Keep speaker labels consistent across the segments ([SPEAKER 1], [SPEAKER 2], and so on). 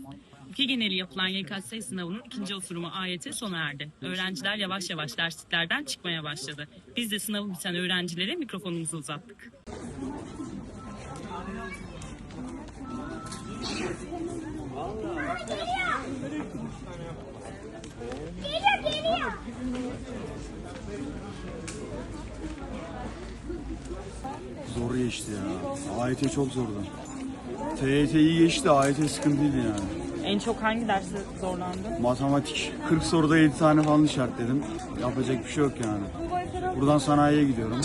[SPEAKER 1] Ülke geneli yapılan YKS sınavının ikinci oturumu AYT sona erdi. Öğrenciler yavaş yavaş dersliklerden çıkmaya başladı. Biz de sınavı biten öğrencilere mikrofonumuzu uzattık.
[SPEAKER 2] Zor geçti ya. AYT çok zordu. TYT iyi geçti, AYT sıkıntıydı yani.
[SPEAKER 1] En çok hangi derste zorlandın?
[SPEAKER 2] Matematik 40 soruda 7 tane falan işaretledim. Yapacak bir şey yok yani. Buradan sanayiye gidiyorum.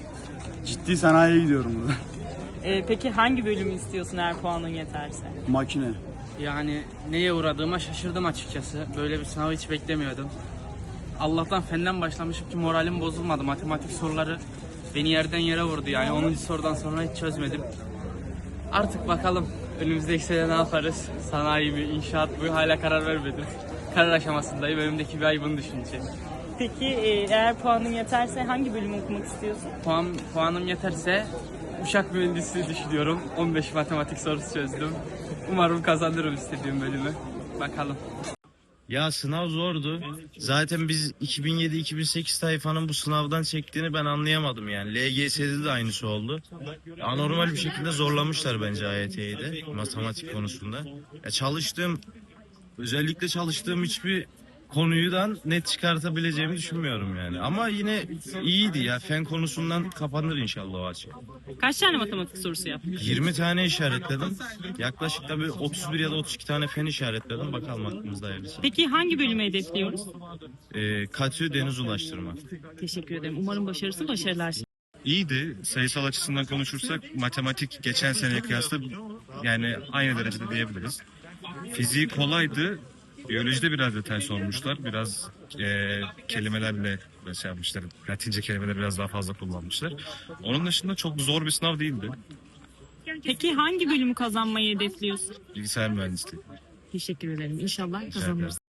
[SPEAKER 2] Ciddi sanayiye gidiyorum burada.
[SPEAKER 1] Peki hangi bölümü istiyorsun eğer puanın yeterse?
[SPEAKER 2] Makine.
[SPEAKER 3] Yani neye uğradığıma şaşırdım açıkçası. Böyle bir sınavı hiç beklemiyordum. Allah'tan fenden başlamışım ki moralim bozulmadı. Matematik soruları beni yerden yere vurdu yani. 10. sorudan sonra hiç çözmedim. Artık bakalım önümüzdeki sene ne yaparız? Sanayi mi, inşaat mı hala karar vermedim. Karar aşamasındayım. Önümdeki bir ay bunu düşüneceğim.
[SPEAKER 1] Peki eğer puanın yeterse hangi bölümü okumak istiyorsun?
[SPEAKER 3] Puanım yeterse uçak mühendisliği düşünüyorum. 15 matematik sorusu çözdüm. Umarım kazanırım istediğim bölümü. Bakalım.
[SPEAKER 4] Ya sınav zordu. Zaten biz 2007-2008 tayfanın bu sınavdan çektiğini ben anlayamadım yani. LGS'de de aynısı oldu. Anormal bir şekilde zorlamışlar bence AYT'yi de matematik konusunda. Ya özellikle çalıştığım hiçbir konudan net çıkartabileceğimi düşünmüyorum yani. Ama yine iyiydi ya. Fen konusundan kapanır inşallah o açık.
[SPEAKER 1] Kaç tane matematik sorusu yaptın?
[SPEAKER 4] 20 tane işaretledim. Yaklaşık da bir 31 ya da 32 tane fen işaretledim. Bakalım aklımızda hayırlısı.
[SPEAKER 1] Peki hangi bölümü hedefliyoruz?
[SPEAKER 4] Katü deniz ulaştırma.
[SPEAKER 1] Teşekkür ederim. Umarım başarısı başarılar.
[SPEAKER 5] İyiydi. Sayısal açısından konuşursak matematik geçen seneye kıyasla yani aynı derecede diyebiliriz. Fiziği kolaydı. Biyolojide biraz detay sormuşlar. Biraz kelimelerle şey yapmışlar. Latince kelimeleri biraz daha fazla kullanmışlar. Onun dışında çok zor bir sınav değildi.
[SPEAKER 1] Peki hangi bölümü kazanmayı hedefliyorsun?
[SPEAKER 5] Bilgisayar mühendisliği.
[SPEAKER 1] Teşekkür ederim. İnşallah kazanırız.